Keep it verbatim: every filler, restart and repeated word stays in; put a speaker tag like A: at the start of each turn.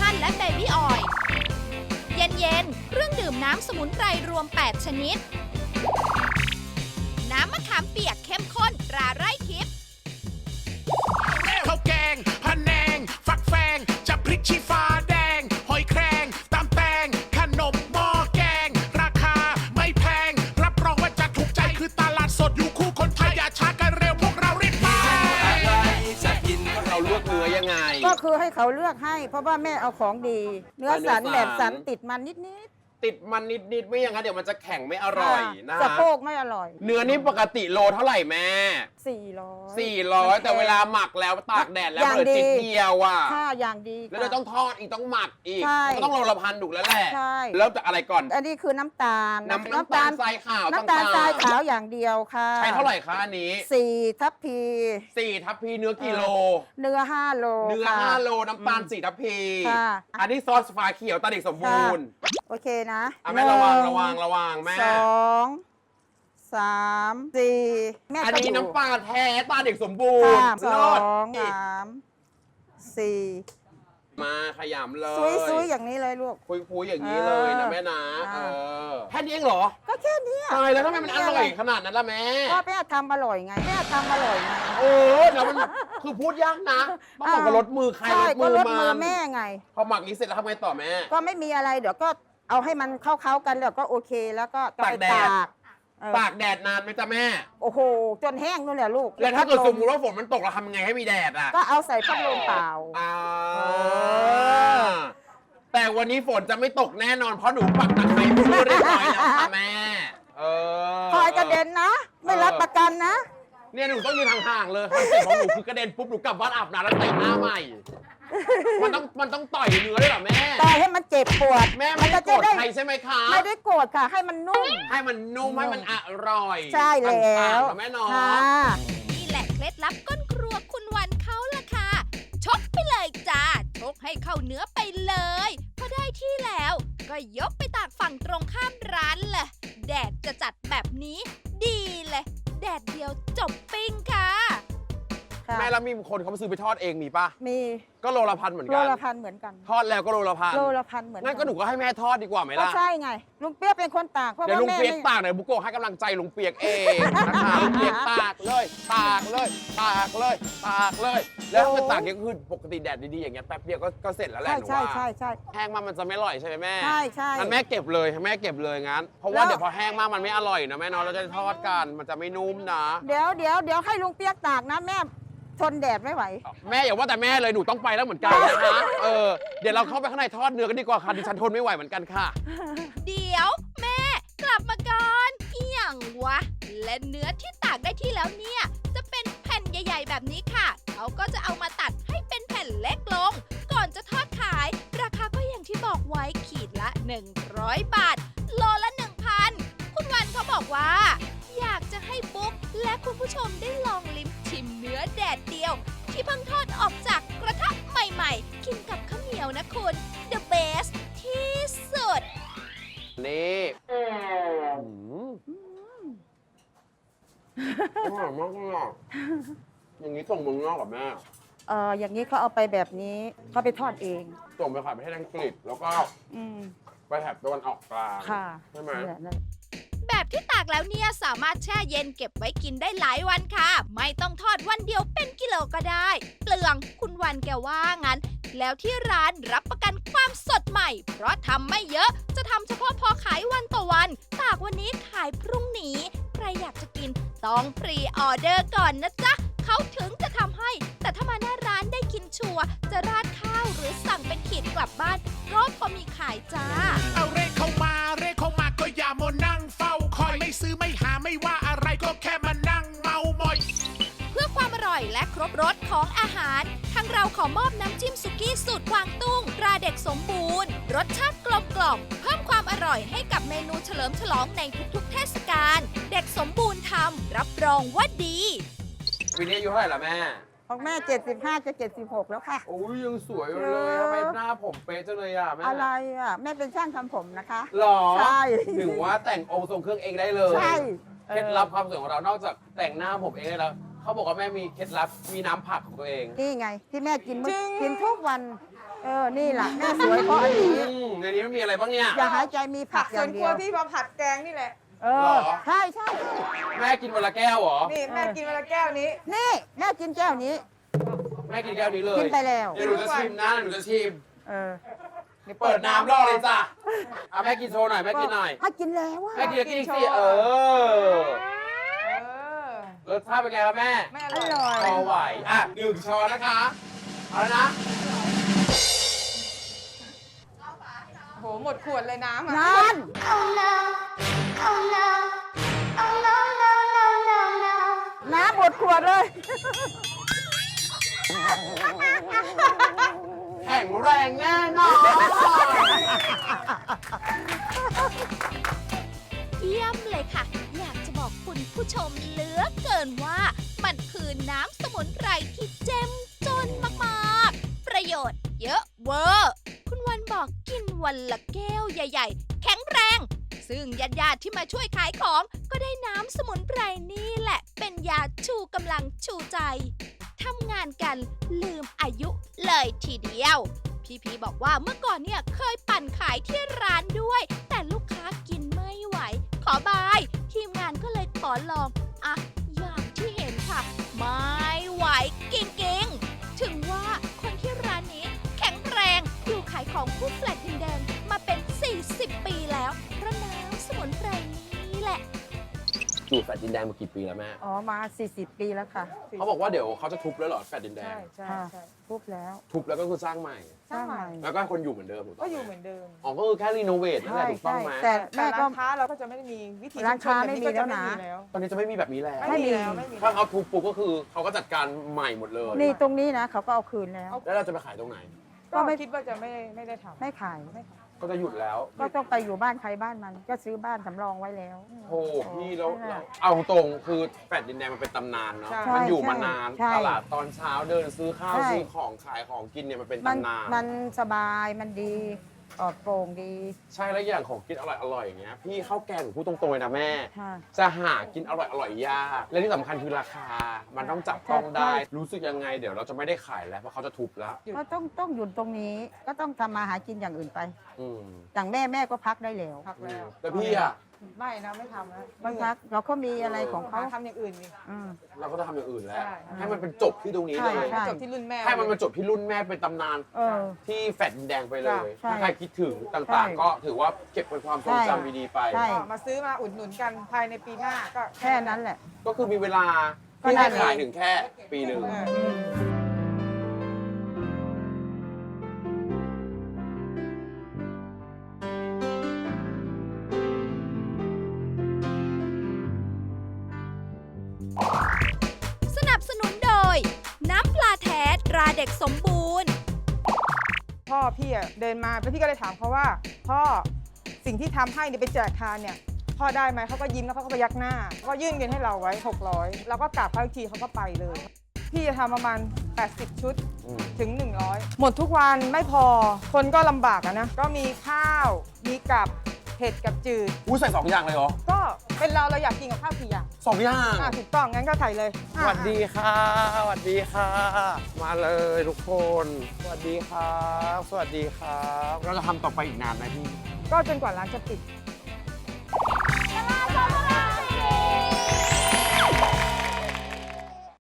A: ชั่นและเบบี้ออยล์เย็นๆเครื่องดื่มน้ำสมุนไพรรวม แปด ชนิด น้ำมะขามเปียกเข้มข้นตราไร่ทิพย์
B: ข้าวแกงพะแนง ฟักแฟงจะพริกชี้ฟ้าแดง หอยแครงตำแตงขนมหม้อแกง ราคาไม่แพง รับรองว่าจะถูกใจคือตลาดสดอยู่คู่คนไทยอย่าช้ากันเร็วพวกเรารีบไป
C: จะกินเราลวกเนื้อยังไง
D: ก็คือให้เขาเลือกให้ เพราะว่าแม่เอาของดี เนื้อสันแบบสันติดมันนิด
C: ติดมันนิดๆไม่อย่างนั้นเดี๋ยวมันจะแข็งไม่อ
D: ๆ
C: ร่อยนะ
D: สะ
C: ฮะ
D: โพกไม่อร่อย
C: เนื้อนี่ปกติโลเท่าไหร่แม่
D: สี่ร้อย
C: สี่ร้อยแต่เวลาหมักแล้วตากแดดแล้ว
D: อย่าง
C: เหลือ
D: ดี
C: จิตเดียวอ่ะ
D: ค่าอย่างดี
C: แล้วเราต้องทอดอีกต้องหมักอีก
D: ใช่
C: ก็ต้องโลละพันถูกแล้วแหละ
D: ใช่
C: เริ่มจากอะไรก่อน
D: อันนี้คือน้ำตาล
C: น้ำน้ำตาลทรายขาว
D: น้ำตาล
C: ต่างๆ
D: ทรายขาวอย่างเดียวค่ะ
C: ใช้เท่าไหร่คะอันนี้
D: สี่ทัพพี
C: สี่ทัพพีเนื้อกี่โล
D: เนื้อห้าโล
C: เนื้อ
D: ค่ะ
C: ห้าโลน้ำตาลสี่ทัพพี
D: ค่ะ
C: อันนี้ซอสฟ้าเขียวตาเด็กสมบูรณ์
D: โอเคนะ
C: อ่ะแม่ระวัง
D: หนึ่
C: ระวังระวังแม่
D: สองสามสี่แม่
C: อัน
D: ก็
C: นี้
D: ดู
C: น้ำปลาแท้ตาเด็กสมบูร
D: ค่ะ
C: ณ์
D: ส
C: เลิ
D: อ
C: ศ
D: งสามสี่
C: มาขยำเลย
D: ซุยซุยๆอย่างนี้เลยลูก
C: คุยคุยๆอย่างนี้เลยนะแม่นะ
D: อ่า
C: เออแค่นี้เองเหรอ
D: ก็แค่เนี้ย
C: ตายแล้วทำไมมันอร่อยขนาดนั้นล่ะแม่
D: ก็แม่ทำอร่อยไงแม่ทำอร่อยไง
C: โอ้แล้วมันคือพูดยากนะต้องบอกกับรถมือใคร
D: ใช่
C: รถ
D: ก็
C: มือ
D: รถ
C: มั
D: มือน แม่ไง
C: พอหมักนี้เสร็จแล้วทำไงต่อแม่
D: ก็ไม่มีอะไรเดี๋ยวก็เอาให้มันเข้าๆกันแล้วก็โอเคแล้วก็
C: ตากแดด
D: ตากเออ
C: ตากแดดนานไหมจ๊ะแม่
D: โอ้โหจนแห้งนู่นแหละลูก
C: แล้วถ้าเกิด
D: พั
C: ส
D: ล
C: มมติว่าฝนมันตกเราทำยังไงให้มีแดดอ่ะ
D: ก็เอาใส่พัดลมเปล่า
C: อ่า
D: อ
C: แต่วันนี้ฝนจะไม่ตกแน่นอนเพราะหนูปักตะไคร้เพื่อเรียบร้อยแล้วค่ะแม่ เออ
D: คอยกระเด็นนะ ไม่รับประกันนะ
C: เนี่ยหนูต้องยืนห่างๆเลยคอนเซ็ปต์ของหนูคือกระเด็นปุ๊บหนูกลับบ้านอาบน้ำแล้วแต่งหน้าใหม่ มันต้องมันต้องต่อยเนื้อด้วยเหรอแม่
D: ต่อยให้มันเจ็บปวด
C: แม่ไม่ได้โกรธใครใช่ไหมคะ
D: ไม่ได้โกรธค่ะ ให้มันนุ่ม
C: ให้มันนุ่มให้มันอร่อย
D: ใช่แล้
C: ต่างๆ
D: ว
C: เหรอแม่เน้อง
D: ค่ะ
A: นี่แหละเคล็ดลับก้นครัวคุณวันเขาล่ะค่ะ ชกไปเลยจ้า ชกให้เข้าเนื้อไปเลย พอได้ที่แล้ว ก็ยกไปตากฝั่งตรงข้ามร้านเลย แดดจะจัดแบบนี้ดีเลย แดดเดียวจบปิ้งค่ะ
C: แม่แล้วมีคนเขามาซื้อไปทอดเองมีป่ะ
D: มี
C: ก็โลละพันเหมือน
D: โล
C: กัน
D: ละพันเหมือนกัน
C: ทอดแล้วก็โลละพัน
D: โลละพันเหมือน
C: งั้นก็หนูก็ให้แม่ทอดดีกว่าไหม
D: ก็
C: ล่ะ
D: ใช่ไง ลุงเปี๊ยกเป็นคนตากเพราะ
C: เดี๋ยว
D: ว่า
C: ลุง
D: แม่
C: เปียก
D: ไม่
C: ตากเดี๋ยวบุโกะให้กำลังใจลุงเปียกเองนะคะลุงเปียกตากเลยตากเลยตากเลยตากเลย แล้วถ้าเกิดตากอย่างคือปกติแดดดีๆอย่างเงี้ยแป๊บเดียวก็ก็เสร็จแล้วแหละ
D: ใช่
C: หนู
D: ใช่
C: ว่า
D: ใช่ใช่
C: แห้งมากมันจะไม่อร่อยใช่ไหมแม่
D: ใช่ใช่
C: งั้นแม่เก็บเลยให้แม่เก็บเลยงั้นเพราะ
D: แล้
C: ว่าว เดี๋ยวพอแห้งมากมันไม่อร่อยนะแม่เนาะเราจะทอดกันมันจะไม่นุ่มนะ
D: เดี๋ยวเดี๋ยวเดี๋ยวให้ลุงเปี๊ยกตากนะแม่ทนแดดไม่ไหว
C: แม่อย่าว่าแต่แม่เลยหนูต้องไปแล้วเหมือนกันนะคะเออเดี๋ยวเราเข้าไปข้างในทอดเนื้อกันดีกว่าค่ะดิฉันทนไม่ไหวเหมือนกันค่ะ
A: เดี๋ยวแม่กลับมาก่อนอีหยังวะ และเนื้อที่ตากได้ที่แล้วเนี่ย จะเป็นแผ่นใหญ่ๆแบบนี้ค่ะ เขาก็จะเอามาตัดให้เป็นแผ่นเล็กลง ก่อนจะทอดขาย ราคาก็อย่างที่บอกไว้ขีดละ หนึ่งร้อยบาท โลละ หนึ่งพัน คุณวันเขาบอกว่า อยากจะให้บุ๊กและคุณผู้ชมได้ลองลิ้มชิมเนื้อแดดเดียว ที่เพิ่งทอดออกจากกระทะใหม่ๆ กินกับข้าวเหนียวนะคุณ The best ที่สุด
C: นี่อืมอร่อยมากเลยอ่ะอย่างนี้ส่งเมืองนอกกับแม่
D: เอออย่างนี้เขาเอาไปแบบนี้เขาไปทอดเอง
C: ส่งไปขายประเทศอังกฤษแล้วก็
D: อืม
C: ไปแถบตะวันออกกลาง
D: ค่ะ
C: ใช่ไหม
D: นั่นแหละนั่นแหละ
A: แบบที่ตากแล้วเนี่ยสามารถแช่เย็นเก็บไว้กินได้หลายวันค่ะ ไม่ต้องทอดวันเดียวเป็นกิโลก็ได้ เปลืองคุณวันแกว่างั้น แล้วที่ร้านรับประกันความสดใหม่ เพราะทำไม่เยอะจะทำเฉพาะพอขายวันต่อวัน ตากวันนี้ขายพรุ่งนี้ ใครอยากจะกินต้องพรีออเดอร์ก่อนนะจ๊ะ เขาถึงจะทำให้ แต่ถ้ามาหน้าร้านได้กินชัวร์จะราดข้าวหรือสั่งเป็นขีดกลับบ้านก็พอมีขายจ้า
B: เอาเรขเข้ามาเรขเข้ามาก็อย่ามัวนั่งเฝ้าคอยไม่ซื้อไม่หาไม่ว่าอะไรก็แค่มานั่งเมามอย
A: เพื่อความอร่อยและครบรสของอาหาร ทางเราขอมอบน้ำจิ้มสุกี้สูตรกวางตุ้งตราเด็กสมบูรณ์ รสชาติกลมกล่อมเพิ่มความอร่อยให้กับเมนูเฉลิมฉลองในทุกๆเทศกาล เด็กสมบูรณ์ทำรับรองว่าดี
C: ปีนี้อายุเท่าไหร่ละแม่
D: ของแม่เจ็ดสิบห้าจะเจ็ดสิบหกแล้วค่ะ
C: โอ้ยยังสวยอยู่เลยทำไมหน้าผมเป๊ะจังเลยอ่ะแม่
D: อะไรอ่ะ แม่เป็นช่างทำผมนะคะ
C: หรอ
D: ใช่
C: ถึงว่าแต่งองค์ทรงเครื่องเองได้เลย
D: ใช่
C: เคล็ดลับความสวยของเรานอกจากแต่งหน้าผมเองได้แล้วเขาบอกว่าแม่มีเคล็ดลับมีน้ำผักของตัวเอง
D: นี่ไง ที่แม่กินมื้อกินทุกวันเออ นี่แหละแม่สวยเพราะอันนี้
C: อืมในนี้มันมีอะไรบ้างเนี่ย
D: อย่าหายใจมีผั
E: ผั
D: ก
E: ก
D: อ
E: ส
D: ย่า
E: วน
D: ง
E: ค
D: เดี
E: รั
D: ยว ว
E: ที่มาผัดแกงนี่แหละ
D: เอ
C: เหร
D: อ
C: อ
D: ใช่ใช่
C: แม่กินวันละแก้วเหรอ
E: นี่แม่กินวันละแก้วนี้
D: นี่แม่กินแก้วนี้
C: แม่กินแก้วนี้เลย
D: กินไปแล้ว
C: เดี๋ยวหนูจะชิมนะหนูจะชิม
D: เออ
C: เปิดน้ำรอเลยจ้ะเอาแม่กินโชว์หน่อยแม่กินหน่อย
D: ให้กินแล้วอะ
C: แม่กินกิน
E: กินโช
C: สิ
E: ว์
C: เออ
E: เออ
C: รสชาติเป็นไงครับแม่
E: แม่อ
D: อ
E: ร่อย
D: ร่อย
C: พอไหวอ่ะหนึ่งช้อนนะคะเอาแล้วนะ
E: โหหมดขวดเลยน้ำอ่ะ
D: นั่น
F: Oh no, oh no, oh no, no, no, no, no.
D: น้ำหมดขวดเลย
C: แข็งแรงแน่นอน
A: เยี่ยมเลยค่ะ อยากจะบอกคุณผู้ชมเหลือเกินว่า มันคือน้ำสมุนไพรที่เจ้มจนมากๆ ประโยชน์เยอะเวอร์ คุณวันบอกกินวันละแก้วใหญ่ๆ แข็งแรง ซึ่งญาติๆที่มาช่วยขายของก็ได้น้ำสมุนไพรนี่แหละ เป็นยาชูกำลังชูใจทำงานกันลืมอายุเลยทีเดียว พี่พีบอกว่าเมื่อก่อนเนี่ยเคยปั่นขายที่ร้านด้วย แต่ลูกค้ากินไม่ไหว ขอบาย ทีมงานก็เลยขอลองอ่ะอย่างที่เห็นค่ะ ไม่ไหวกิ่งๆ ถึงว่าคนที่ร้านนี้แข็งแรงอยู่ขายของคู่แฟลตดินแดงมาเป็น สี่สิบ ปีแล้วเพราะน้ำสมุนไพรนี้แหละ
C: อยู่แฟลตดินแดงมากี่ปีแล้วแม่
D: อ๋อ มา สี่สิบ ปีแล้วค่ะ
C: เขาบอกว่าเดี๋ยวเขาจะทุบแล้วเหรอแฟลตดินแดง
E: ใช่ใช่
D: ค่ะ
E: ใช่
D: ทุบแล้ว
C: ทุบแล้วก็คือสร้างใหม่
E: สร้างใหม่
C: แล้วก็ให้คนอยู่เหมือนเดิมถูกต้
E: ก็
C: อง
E: อยู่เหมือนเดิม
C: อ๋อก็คือแค่รีโนเวทนั่นแหละ
D: ใช่
C: ถูกต้อง
D: ใช่
C: ไหม
D: แต่
E: แต่
D: แม่ก็
E: ร้านค้าเราก็จะไม่ได้มีวิธี
D: ร้านค้า
E: ชุมช
D: ไม่มี
E: บบ
D: แล้วนะ
E: ก็จไม่มีแล้ว
C: ตอนนี้จะไม่มีแบบนี้แล้ว
E: ไม่มีแล้วไม่มี
C: ถ้าเขาทุบปุ๊บก็คือเขาก็จัดการใหม่หมดเลย
D: นี่ตรงนี้นะเขาก็เอาคืนแล้ว
C: แล้วเราจะไปขายตรงไหน
E: ก็ไม่คิดว่าจะไม่ไม่ได้ทำ
D: ไม่ขาย
C: ก็จะหยุดแล้ว
D: ก็ต้องไปอยู่บ้านใครบ้านมัน ก็ซื้อบ้านสำรองไว้แล้ว
C: โอ้พี่แล้ว
D: นั่นแหละ
C: เอาตรงคือแฟลตดินแดงมันเป็นตำนานเนาะ
E: ใช่
C: มันอยู่มานาน
D: ใช่
C: ตลาดตอนเช้าเดินซื้อข้าว
D: ใช่
C: ซื้อของขายของกินเนี่ยมันเป็น
D: มัน
C: ตำนาน
D: มันสบายมันดีปลอดโปร่งดี
C: ใช่แล้วอย่างของกินอร่อยอร่อยอย่างเงี้ยพี่ข้าวแกงหนูพูดตรงๆเลยนะแม่
D: ค่ะ
C: จะหากินอร่อยอร่อยยากและที่สำคัญคือราคา มันต้องจับต้องได้
D: ใช่
C: รู้สึกยังไงเดี๋ยวเราจะไม่ได้ขายแล้วเพราะเขาจะทุบแล้ว
D: ก็ต้องต้องหยุดตรงนี้ ก็ต้องทำมาหากินอย่างอื่นไป
C: อืม
D: อย่างแม่แม่ก็พักได้แล้ว
E: พักแล้ว
C: แต่พี่อะ
E: ไม่นะไม่ทำแล้ว
D: บางพักเราก็มีอะไรของ
E: เขา
D: เขา
E: ทำอย่างอื่นนี่
D: อืม
C: เราก็จะทำอย่างอื่นแล้ว
E: ใช่
C: ให้มันเป็นจบที่ตรงนี้
D: ใช่
C: เลย
D: ใช่
E: จบที่รุ่นแม่
C: ให้มันมาจบที่รุ่นแม่เป็นตำนาน
D: เออ
C: ที่แฟลตดินแดงไปเลย
D: ใช่
C: ถ้าใครคิดถึงต่าง
D: ใช่
C: ๆ ก็ถือว่าเก็บเป็นความทรงจำดีๆไป
D: ใช่
E: ก็มาซื้อมาอุดหนุนกันภายในปีหน้าก็
D: แค่นั้นแหละ
C: ก็คือมีเวลา
D: ก็
C: ที่
D: ได้
C: ให้ขายถึงแค่ปีหนึ่ง
E: เออ
D: อืม
A: สนับสนุนโดย น้ำปลาแท้ตราเด็กสมบูรณ์
E: พ่อพี่อะเดินมาแล้วพี่ก็เลยถามเขาว่า พ่อสิ่งที่ทำให้เนี่ยไปแจกทานเนี่ยพ่อได้ไหมเขาก็ยิ้มแล้วเขาก็พยักหน้าก็ยื่นเงินให้เราไว้หกร้อยแล้วก็กราบเขาอีกทีเขาก็ไปเลย พี่จะทำประมาณแปดสิบชุด
C: อืม
E: ถึง หนึ่งร้อย หมดทุกวันไม่พอคนก็ลำบากอะนะ ก็มีข้าวมีกับเผ็ดกับจืด
C: อู้ใส่สองอย่างเลยเหรอ
E: ก็เป็นเราเราอยากกินกับข้าวกี่อย่าง
C: สองอย่าง
E: อ่ะถูกต้องงั้นก็ใส่เลย
C: ส
E: อ่ะ
C: วัสดีค่ะสวัสดีค่ะ มาเลยทุกคน สวัสดีครับ สวัสดีครับ เราจะทำต่อไปอีกนานไหมพี่
E: ก็จนกว่าร้านจะปิด